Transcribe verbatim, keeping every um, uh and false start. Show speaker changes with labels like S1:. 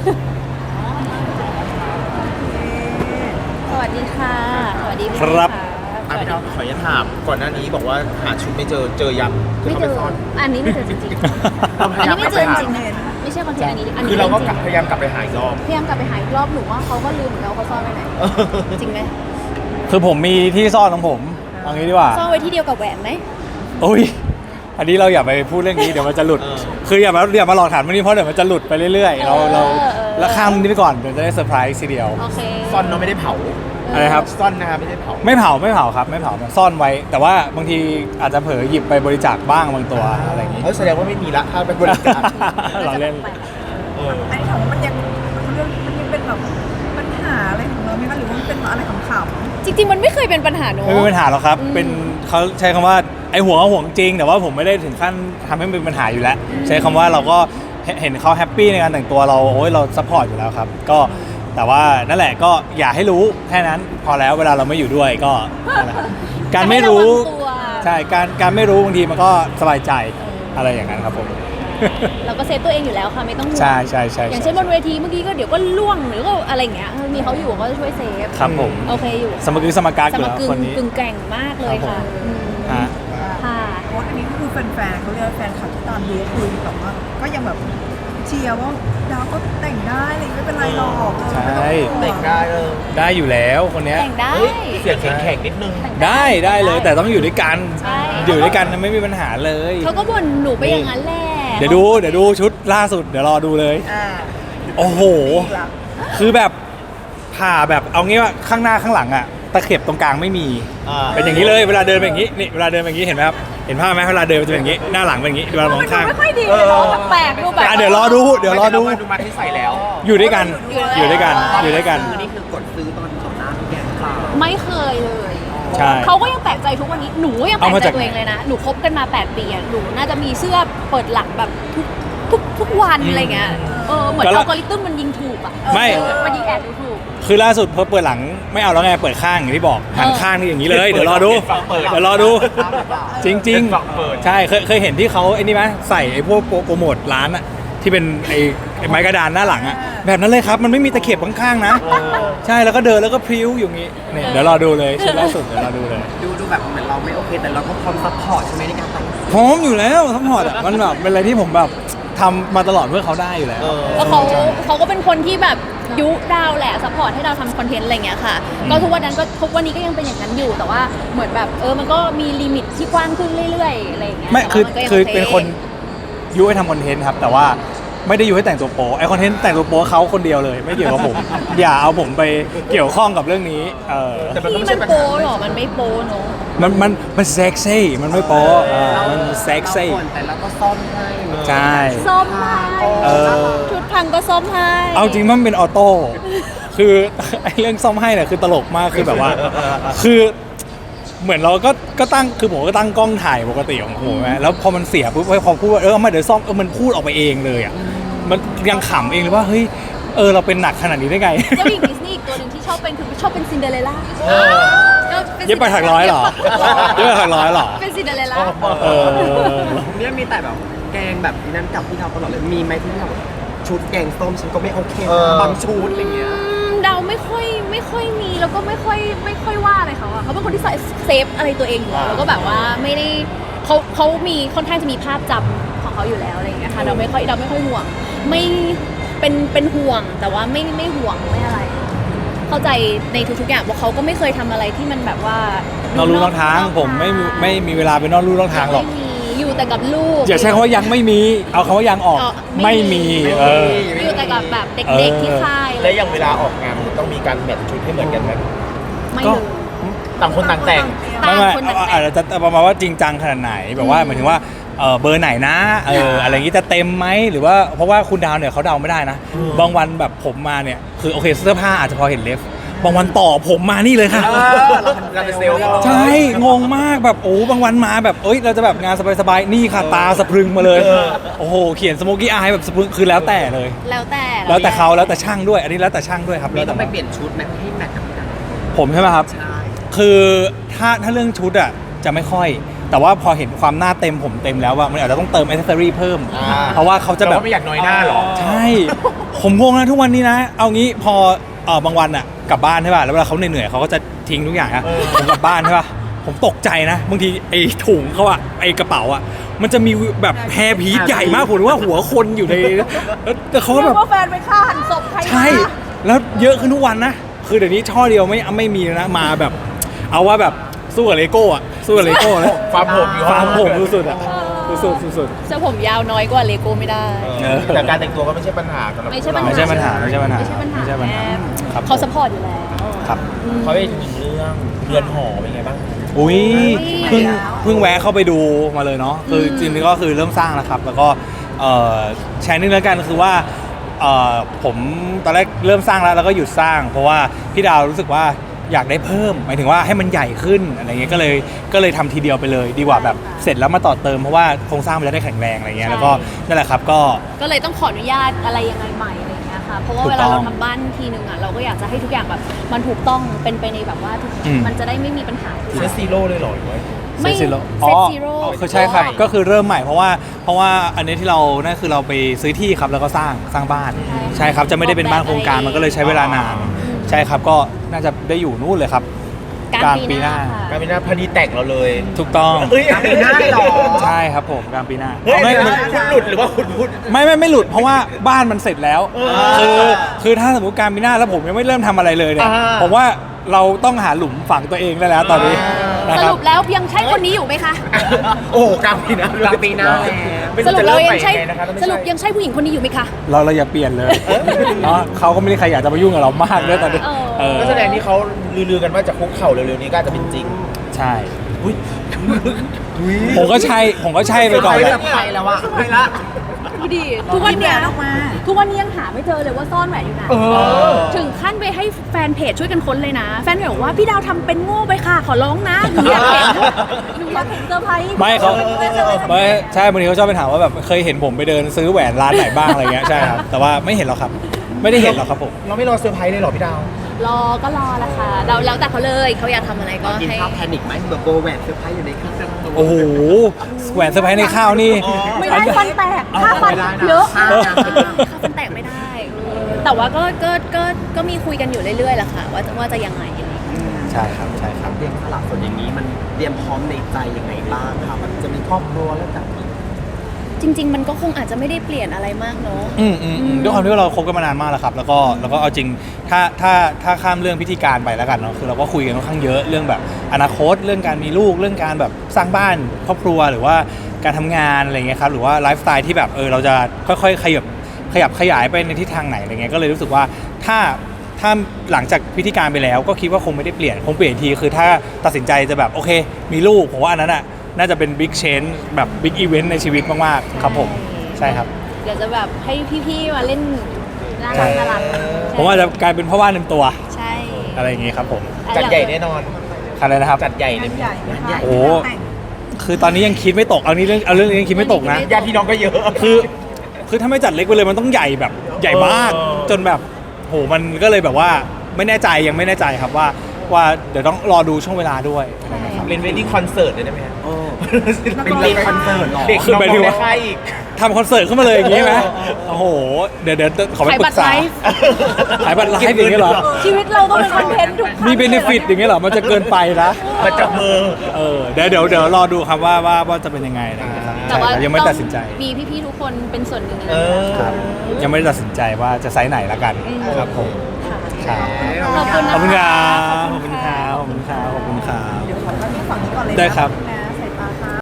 S1: สวัสดีค่ะสวัสดี
S2: ครับ
S1: สวัส
S3: พี่
S1: ดี
S3: น้องขออนุญาตถามก่อนหน้านี้บอกว่าหาชุดไม่เจอเจอยังคือ
S1: ไม่
S3: เขา
S1: เจ
S3: ไป
S1: อ
S3: ซ่อน
S1: อันนี้ไม่เจอจริงๆ
S3: เราพ
S1: อัน
S3: ยายาม
S1: นี้ไม่
S3: ไป
S1: เจอจ
S3: หา
S1: ริงๆไม่ใช่คอนเทนต์อันนี้อันนี้
S3: คือเราก็
S1: จง
S3: พยายามกลับไปหาอีกรอบ
S1: ๆพยายามกลับไปหาอีกรอบหนูว่าเขาก็ลืมเหมือนกันว่าเขาซ่อนไว้ไหนจริงไหม
S2: คือผมมีที่ซ่อนของผมเอางี้ดีกว่า
S1: ซ่อนไว้ที่เดียวกับแหวนไหม
S2: โอ้ยอันนี้เราอย่าไปพูดเรื่องนี้เดี๋ยวมันจะหลุด
S3: เออ
S2: คืออย่ามาอย่ามาหลอกถามวันนี้เพราะเดี๋ยวมันจะหลุดไปเรื่อยๆเราเราแล้วข้ามนี้ไปก่อนเดี๋ยวจะได้เซอร์ไพรส์ทีเดียว
S1: โอเค
S3: ซ่อนเราไม่ได้เผา
S2: อะไรครับ
S3: ซ่อนนะครับไม่ได้เผา
S2: ไม่เผาไม่เผาครับไม่เผาซ่อนไว้ แต่ว่าบางทีอาจจะเผลอหยิบไปบริจาคบ้างบางตัวอะไรอย่างงี้
S3: เออแสดงว่าไม่มีละถ้าไปบริจาค
S2: เราเล่น
S3: เออ
S4: อันนี้ถามว่ามันยังมันยังมันยังเป็นแบบปัญหาอะไรของเราไหมคะหรือว่ามันเป็นอะไรขำๆ
S1: จริงๆมันไม่เคยเป็นปัญหาเนอะ
S2: ไม่มีปัญหาหรอกครับ
S1: อืม
S2: เป็นเขาใช้คำว่าไอ้ห่วงก็ห่วงจริง แต่ว่าผมไม่ได้ถึงขั้นทำให้มันเป็นปัญหาอยู่แล้ว ใช้คำว่าเราก็เห็นเห็นเขาแฮปปี้ในการแต่งตัวเราโอ้ยเราซัพพอร์ตอยู่แล้วครับ ก็แต่ว่านั่นแหละก็อย่าให้รู้แค่นั้นพอแล้วเวลาเราไม่อยู่ด้วยก็นั่นแหละการไม่รู้
S1: ให้ะวังตัว
S2: ใช่การการไม่รู้บางทีมันก็สบายใจอะไรอย่างนั้นครับผม
S1: เราก็เซฟตัวเองอยู่แล้วค่ะไม่ต้องห่วง
S2: ใช่ใช่ใช่
S1: อย่างเช่นบนเวทีเมื่อกี้ก็เดี๋ยวก็ล่วงหรือก็อะไรอย่างเงี้ยมีเขาอยู่ก็จะช่วยเซฟ
S2: ครับผม
S1: โอเคอยู่
S2: สมกึสมการ
S1: ส
S2: อยู่
S1: ม
S2: แล้ว
S1: กึ่ง
S2: คนนี้
S1: กึ่งแกร่งมากเลยค่ะอืม
S2: ฮะ
S1: ค่ะ
S4: เพราะว่าอันนี้ก็คือแฟนๆเขาเรียกว่าแฟนคลับที่ตามดูคุยแบบว่าก็ยังแบบเชียร์ว่าดาวก็แต่งได้อะไรไม่เป็นไรหรอก
S2: ใช่
S3: แต่งได้เออ
S2: ได้อยู่แล้วคนเนี้ย
S1: แต่งได้
S3: เฮ้ยเสียงแข็งๆนิดนึง
S2: ได้ได้เลยแต่ต้องอยู่ด้วยกัน
S1: ใช่
S2: อยู่ด้วยกันไม่มีปัญหาเลย
S1: เขาก็บ่นหนูไปอย่างนั้นแหละ
S2: เดี๋ยวดูเดี๋ยวดูชุดล่าสุดเดี๋ยวรอดูเลย
S4: อ่า
S2: โอ้โห คือแบบผ่าแบบเอางี้ว่าข้างหน้าข้างหลังอะตะเข็บตรงกลางไม่มี
S3: อ่า
S2: เป็นอย่างนี้เลยเวลาเดินเป็นอย่างนี้นี่เวลาเดินเป็นอย่างนี้เห็นไหมครับเห็นภาพไหมเวลาเดินมันจะเป็นอย่างนี้หน้าหลังเป็นอย่างนี้เวลามองข้าง
S1: ไม่ค่อยดีเลยเนาะแปลกๆดูแบบ
S2: อ่ะเดี๋ยวรอดูเดี๋ยวรอดู
S3: ดูมาที่ใส่แล้ว
S2: อยู่ด้วยกันอยู่ด้วยกันอยู่ด้วยกัน
S3: นี่คือกดซื้อตอนจบหน้าทุกอย่างค่ะ
S1: ไม่เคยเลย
S2: ใช่
S1: เขาก็ยังแปลกใจทุกวันนี้หนูก็ยังแปล
S2: เอา
S1: ก
S2: มา
S1: ใจ
S2: จาก
S1: ตัวเองเลยนะหนูคบกันมาแปดปีอะหนูน่าจะมีเสื้อเปิดหลังแบบทุกทุกทุกวันอะไรเงี้ยเออเหมือน
S2: ก็
S1: อั
S2: ละ
S1: ลกอริทึมมันยิงถูกอะ
S2: ไม่
S1: เออมันยิงแอดดูถูก
S2: คือล่าสุดพอเปิดหลังไม่เอาแล้วไงเปิดข้างอย่างที่บอกหันข้างนี่อย่างนี้เลยเดี๋ยวรอดู
S3: เปิด
S2: เดี๋ยวรอดู จริงจริง
S3: เป็นฝั่งเปิด
S2: ใช่เคยเคยเห็นที่เขาไอ้นี่ไหมใส่ไอ้พวกโปรโปรโมทร้านอะที่เป็นไอ้ไอ้ไม้กระดานหน้าหลังอะแบบนั้นเลยครับมันไม่มีตะเข็บข้างๆนะ ใช่แล้วก็เดินแล้วก็พริ้วอยู่งี้เนี่ยเดี๋ยวรอดูเลยชุดล่าสุดเดี๋ยวรอดูเลย
S5: ดูดูแบบเหมือนเราไม่โอเคแต่เราก็พร้อมซัพพอร์ตใช่ไหมในการแต่ง
S2: พร้อมอยู่แล้วทั้งหมดอะมันแบบเป็นอะไรที่ผมแบบทำมาตลอดเพื่อเขาได้อยู่แล้ว
S3: เออ
S1: แล้วเขาเขาก็เป็นคนที่แบบยุดาวแหละซัพพอร์ตให้เราทำคอนเทนต์อะไรเงี้ยค่ะ ก็ทุกวันนั้นก็ทุกวันนี้ก็ยังเป็นอย่างนั้นอยู่แต่ว่าเหมือนแบบเออมันก็มีลิมิตที่กว้างขึ้นเรื่อยๆอะไรอย่างเงี้ย
S2: ไม่คือ
S1: แต่ว่ามันก็ยัง
S2: คือ
S1: โ
S2: เป็นคนยุให้ทำคอนเทนต์ครับแต่ว่าไม่ได้ยุให้แต่งตัวโป๊ไอคอนเทนต์แต่งตัวโป๊เขาคนเดียวเลย ไม่เกี่ยวกับผม อย่าเอาผมไปเกี่ยวข้องกับเรื่องนี้เออ
S3: แต่มันก็
S1: ที่
S3: ไม่
S1: มั
S3: ใช่
S1: น
S3: ปัญ
S1: โป๊
S3: หา
S1: หรอมันไม่โป๊เนอะ
S2: มันมันมันเซ็กซี่มันไม่โป๊อ่ามันเซ็กซี่
S5: เราบ่นแต่เราก็ซ่อมให้
S2: ใช่
S1: ส้มให้
S2: เออ
S1: ชุดพังก็ส้มให้
S2: เอาจริงมันเป็นออโต้คือ ไอเรื่องซ่อมให้เนี่ยคือตลกมากคือแบบว่า คือเหมือนเราก็ก็ตั้งคือผมก็ตั้งกล้องถ่ายปกติของผมนะแล้วพอมันเสียปุ๊บพอพูดว่าเออเอามาเดี๋ยวซ่อมเออมันพูดออกไปเองเลยอ่ะมันยังขำเองเลยว่าเฮ้ยเออเราเป็นหนักขนาดนี้ได้ไง
S1: เจ้าหญิงดิสนีย์อีกตัวหนึ่งที่ชอบเป็นคือชอบเป็นซินเดอเรลล่า
S2: เย็บไปถักร้อยเหรอเย็บไปถักร้อยเหรอ
S1: เป็นซินเดอเรลล่า
S2: เออ
S5: เนี่ยมีแต่แบบแกงแบบนั้นกับที่เราตลอดเลยมีไหมที่เราแบบชุดแกงส้มฉันก็ไม่โอเค
S3: เออ
S5: นะบางชุดอะไรเงี้ย
S1: อืมเดาไม่ค่อยไม่ค่อยมีแล้วก็ไม่ค่อยไม่ค่อยว่าอะไรเขาอะเขาเป็นคนที่ใส่เซฟอะไรตัวเองอยู่แล้วแล้วก็แบบว่าไม่ได้เขาเขามีค่อนข้างจะมีภาพจำของเขาอยู่แล้วอะไรอย่างเงี้ยค่ะเราไม่ค่อยเราไม่ค่อยห่วงไม่เป็นเป็นห่วงแต่ว่าไม่ไม่ห่วงไม่อะไร เข้าใจในทุกๆอย่างเพราะเขาก็ไม่เคยทำอะไรที่มันแบบว่าน
S2: อกลู่นอกทางผมไม่มีไม่มีเวลาไปนอกลู่นอกทางหรอก
S1: ไม่มีอยู่แต่กับลูก
S2: อย่าใช้คำว่ายังไม่มีเอาคำว่ายังออก
S1: อ๋อ
S2: ไม่มีเออ
S1: อยู่แต่กับแบบเด็ก
S2: เออ
S1: ๆที่ค่าย
S3: และอย่างเวลาออกงานต้องมีการแมทชุดให้เหมือนกันไหม
S1: ไม่
S2: ก็
S1: เลย
S3: ต่างคนต่างแต่ง
S1: ต่าง
S2: ไม่
S1: คน
S2: ไม่
S1: ต่าง
S2: อาจจะประมาณว่าจริงจังขนาดไหนแบบว่าหมายถึงว่าเออเบอร์ไหนนะเอออะไรอย่างนี้จะเต็มไหมหรือว่าเพราะว่าคุณดาวเนี่ยเขาเดาไม่ได้นะ บางวันแบบผมมาเนี่ยคือโอเคเสื้อผ้าอาจจะพอเห็นเลฟบางวันต่อผมมานี่เลยค่ะ
S3: เราเป็นเซลล์
S2: ใช่งงมากแบบโอ้บางวันมาแบบเอ้ยเราจะแบบงานสบายๆนี่ค่ะตาสะพรึงมาเลยโอ้โหเขียนสโมกี้อายแบบสะพรึงคือแล้วแต่เลย
S1: แล้วแต่
S2: แล้วแต่เขาแล้วแต่ช่างด้วย อันนี้แล้วแต่ช่างด้วยครับ
S5: มี
S2: แล้ว
S5: ต้
S2: แต่
S5: องไปเปลี่ยนชุดไหมให้แมทกับกัน
S2: ผมใช่ไหมครับ
S5: ใช่
S2: คือถ้าถ้าเรื่องชุดอ่ะจะไม่ค่อย แแต่ว่าพอเห็นความหน้าเต็มผมเต็มแล้วว่ามันอาจจะต้องเติมอิสเซอรี่เพิ่ม
S3: อ่า
S2: เพราะว่าเขาจะแบบ
S3: ไม่อยากน้อยหน้าหรอ
S2: ใช่ ผมงงนะทุกวันนี้นะ เอางี้พอเออบางวันอะกลับบ้านใช่ป่ะ แล้วเวลาเขาเหนื่อยๆเขาก็จะทิ้งทุกอย่างอะผมกลับบ้านใช่ป่ะ ผมตกใจนะ บางทีไอ้ถุงเขาอะไอ้กระเป๋าอะมันจะมีแบบแฮร์พีซใหญ่มากผมนึกว่าหัวคนอยู่ในแล้วแต่เขาก็
S4: เรี
S2: แบ
S4: ย
S2: บ
S4: กว่าแฟนไปฆ่าหันศพใครมา
S2: ใช่ แล้วเยอะขึ้นทุกวันนะ คือเดี๋ยวนี้ช่อเดียวไม่ไม่มีแล้วนะ มาแบบ เอาว่าแบบสู้กับเลโก้อะสู้กับเลโก้แล้ว
S3: ฟาร์มผมอยู่
S2: ฟาร์มผมสุดๆอะสุดๆสุด
S1: เสื้อผมยาวน้อยกว่าเลโก้ไม่ได้
S3: เออแต่การแต่งตัวก็ไม่ใช่ปัญหาสำหรับ
S1: ไม่ใช่ปัญ
S2: ๆ
S1: หา
S2: ไม่ใช่ปัญหาไม่ใช่ปัญหา
S1: ไม่ใช่ปัญหา
S2: ไม่ใช่ปัญหา
S1: แม่
S2: ครับ
S1: เขาสปอร์ตอยู่แล้ว
S2: ครับ
S3: เขาไปถึงเรื่องเรือนหอเป็นไงบ้าง
S2: อุ้ย
S1: อุ๊ย
S2: เพิ่งเพิ่งแวะเข้าไปดูมาเลยเนาะคือจริงๆก็คือเริ่มสร้างแล้วครับ แล้วก็เอ่อแชร์นิดแล้วกันคือว่าเอ่อผมตอนแรกเริ่มสร้างแล้วแล้วก็หยุดสร้าง เพราะว่าพี่ดาวรู้สึกว่าอยากได้เพิ่มหมายถึงว่าให้มันใหญ่ขึ้นอะไรเงี้ยก็เลยก็เลยทำทีเดียวไปเลย ดีกว่าแบบเสร็จแล้วมาต่อเติมเพราะว่าโครงสร้างมันจะได้แข็งแรงอะไรเงี้ยแล้วก็นั่นแหละครับก็
S1: ก็เลยต้องขออนุญาตอะไรยังไงใหม่อะไรอย่างเงี้ยค่ะ เพราะว่า
S2: ถูก
S1: เวลาเรา
S2: ต้อง
S1: ทำบ้านทีนึงอ่ะเราก็อยากจะให้ทุกอย่างแบบมันถูกต้องเป็นไปในแบบว่าทุก
S2: อืม
S1: มันจะได้ไม่มีปัญหา
S3: เซตซีโร่เลยเหรอหรือว่า
S1: ไม่
S2: เซต zero
S1: เซตซีโร่
S2: คือใช่ครับก็คือเริ่มใหม่เพราะว่าเพราะว่าอันนี้ที่เรานั่นคือเราไปซื้อที่ครับแล้วก็สร้างสร้างบ้าน ใช่ครับจะไม่ได้เป็นบ้านโครงการมันก็เลยใช้เวลานาน ใช่ครับก็น่าจะได้อยู่นู่นเลยครับ
S1: ก
S2: ก
S1: ลา
S2: ลาง งปี
S1: ปีห
S2: ห
S1: น้า
S2: น้า
S1: ค่ะ
S3: การเป็นหน้าพอดีแต่งเราเลย
S2: ถูกต้อง
S3: เฮ้ย
S5: กลางปีหน้าเลยเหรอ
S2: ใช่ครับผมกลางปีหน้า
S3: เฮ้ย
S2: ไม่
S3: เดี๋ยว
S2: ไม่
S3: นะคุณหลุดหรือว่าคุณพูด
S2: ไม่ไม่ไม่หลุดเพราะว่าบ้านมันเสร็จแล้ว
S3: เออ
S2: คือคือถ้าสมมติกลางปีหน้าแล้วผมยังไม่เริ่มทำอะไรเลยเนี่ย
S3: อ่า
S2: ผมว่าเราต้องหาหลุมฝังตัวเองได้แล้วตอนนี้นะ
S1: ส
S2: ครับ
S1: รุปแล้วยังใช่คนนี้อยู่ไหมคะ
S3: โอ้โหกลางปีหน้าก
S5: ลางปีหน้าแล้ว
S3: ไม่
S1: ส
S3: รู้
S1: รุป
S3: จะ
S1: เรา
S3: เริ่ม
S1: ยั
S3: ใหม่
S1: งใช่
S3: ยังไงนะคะถ้าไม่
S1: สรุป
S3: ใช่
S1: ยังใช่ผู้หญิงคนนี้อยู่ไหมคะ
S2: เราเราอย่าเปลี่ยนเลยเนาะเขาก็ไม่ได้ใครอยากจะมายุ่งกับเรามากด้วยตอนนี้
S1: เออ
S2: เออ
S3: ก็แสดงที่เขาลือๆกันว่าจะคุกเข่าเร็วๆนี้ก็อาจจะเป็นจริง
S2: ใช่
S3: อุ้ย
S2: ผมก็ใช่ผมก็ใช่ไปก่อน
S5: ไม่
S2: แห
S5: แบ
S2: ละ
S5: บไปแล้วอะไปละ
S1: ดูดิทุกวันเนี้ย
S4: ออกมา
S1: ทุกวันนี้ยังหาไม่เจอเลยว่าซ่อนแหวนอยู่ไหน
S3: เออ
S1: ถึงขั้นไปให้แฟนเพจช่วยกันค้นเลยนะ แฟนเพจบอกว่าพี่ดาวทำเป็นโง่ไปค่ะ ขอร้องนะหนูอยากเห็นหนูอยากเห็นเซอร์ไพรส์
S2: ไม่เขา
S1: เป็นเซอร์ไพรส์
S2: ไม่ใช่บางทีเขาชอบไปถามว่าแบบเคยเห็นผมไปเดินซื้อแหวนร้านไหนบ้างอะไรเงี้ยใช่ครับแต่ว่าไม่เห็นหรอกครับ ไม่ได้เห็นหรอกครับผม
S3: เราไม่รอเซอร์ไพรส์เลยเหรอพี่ดาว
S1: รอก็รอละค่ะเราแล้วแต่เขาเลยเขาอยากทำอะไรก็
S5: กิน
S1: ให้
S5: ข้าวแพนิคไหมแบบโบแหวนเซอร์ไพรส์อยู่ในข้าว
S2: โอ้โหแหวนเซอร์ไพรส์ในข้าวนี่
S1: ไม่ได้ฟันแตกค่าฟันเยอะค่าฟันแตกไม่ได้เออแต่ว่าก็ก็ก็ก็มีคุยกันอยู่เรื่อยๆแหละค่ะ ว่าจะว่าจะยังไงอะไรอย่างเงี้ย
S2: ใช่ครับใช่ครับ
S5: เตรียมสลับส่วนอย่างนี้มันเตรียมพร้อมในใจยังไงบ้างครับมันจะมีครอบครัวแล้วกัน
S1: จริง ๆ มันก็คงอาจจะไม่ได้เปลี่ยนอะไรมากเนาะ
S2: อืมอืมอืมด้วยความที่ว่าเราคบกันมานานมากแล้วครับ แล้วก็แล้วก็เอาจริงถ้าถ้าถ้าข้ามเรื่องพิธีการไปแล้วกันเนาะคือเราก็คุยกันค่อนข้างเยอะเรื่องแบบอนาคตเรื่องการมีลูกเรื่องการแบบสร้างบ้านครอบครัวหรือว่าการทำงานอะไรเงี้ยครับหรือว่าไลฟ์สไตล์ที่แบบเออเราจะค่อยๆขยับขยับขยายไปในทิศทางไหนอะไรเงี้ยก็เลยรู้สึกว่าถ้าถ้าหลังจากพิธีการไปแล้วก็คิดว่าคงไม่ได้เปลี่ยนคงเปลี่ยนอีกทีคือถ้าตัดสินใจจะแบบโอเค มีลูกผมว่าอันนั้นอ่ะน่าจะเป็นบิ๊กเชนแบบบิ๊กอีเวนต์ในชีวิตมากๆครับผมใช่ครับ
S1: เดี๋ยวจะแบบให้พี่ๆมาเล่นน่ารักน่ารัก
S2: ผมว่าจะกลายเป็นพ่อบ้านเต็มตัว
S1: ใช่
S2: อะไรอย่างงี้ครับผม
S3: จัดใหญ่แน่นอน
S2: อะไรนะครับ
S3: จัดใหญ่เลย
S4: ใหญ่นะคะ
S2: โอ้ คือตอนนี้ยังคิดไม่ตกเอานี้เรื่องเอาเรื่องนี้ยังคิดไม่ตกนะ
S3: ญาติพี่น้องก็เยอะ
S2: คือคือถ้าไม่จัดเล็กไปเลยมันต้องใหญ่แบบใหญ่มาก
S3: เออ
S2: จนแบบโหมันก็เลยแบบว่าไม่แน่ใจยังไม่แน่ใจครับว่าว่าเดี๋ยวต้องรอดูช่วงเวลาด้วยอะไรนะครับ
S3: เป็นเวดดิ้งคอนเสิร์ตเลยได้ไหมฮะ
S5: โอ้เป็นเด็กคอนเสิร์ตเหรอ
S3: เด็ก
S2: คือ
S3: น้อง
S2: หมายถึง
S3: ๆใน
S2: ว่า
S3: ค่ายอีก
S2: ทำคอนเสิร์ตขึ้นมาเลยอย่างงี้ไหม
S3: เออ
S2: โอ้โหเดี๋ยวเดี๋ยวขอไป
S1: ขาย
S2: ปรึ
S1: บัต
S2: ก
S1: ร
S2: ษา
S1: ไลฟ์
S2: ขายบัตรไลฟ์อย่างเงี้ยเหรอ
S1: ชีวิตเราก็เป็นคอนเทนต์ทุกครั้ง
S2: มีเบนฟิตอย่างเงี้ยเหรอมันจะเกินไปนะ
S3: มาจับมือ
S2: เออเดี๋ยวเดี๋ยวเดี๋ยวรอดูครับว่าว่าว่าจะเป็นยังไงอะไรอย่างเงี้ยครับ
S1: แต่ว่า
S2: ใช่ครับยังไม่ตัดสินใจ
S1: มีพี่ๆทุกคนเป็นส่วนหนึ่งใน
S3: เอ
S1: นั้น
S3: อ
S2: ครับยังไม่ได้ตัดสินใจว่าจะไซส์ไหนละกันครับผม
S1: ค่ะ
S2: ครับ
S1: ขอบคุณนะะ
S2: ขอบคุณครับขอบคุณครับขอบคุณครับขอบคุณครับ
S4: เดี๋ยวขอเข้าที่ฝั่งนี้ก่อนเลยนะ
S2: ได้ครับ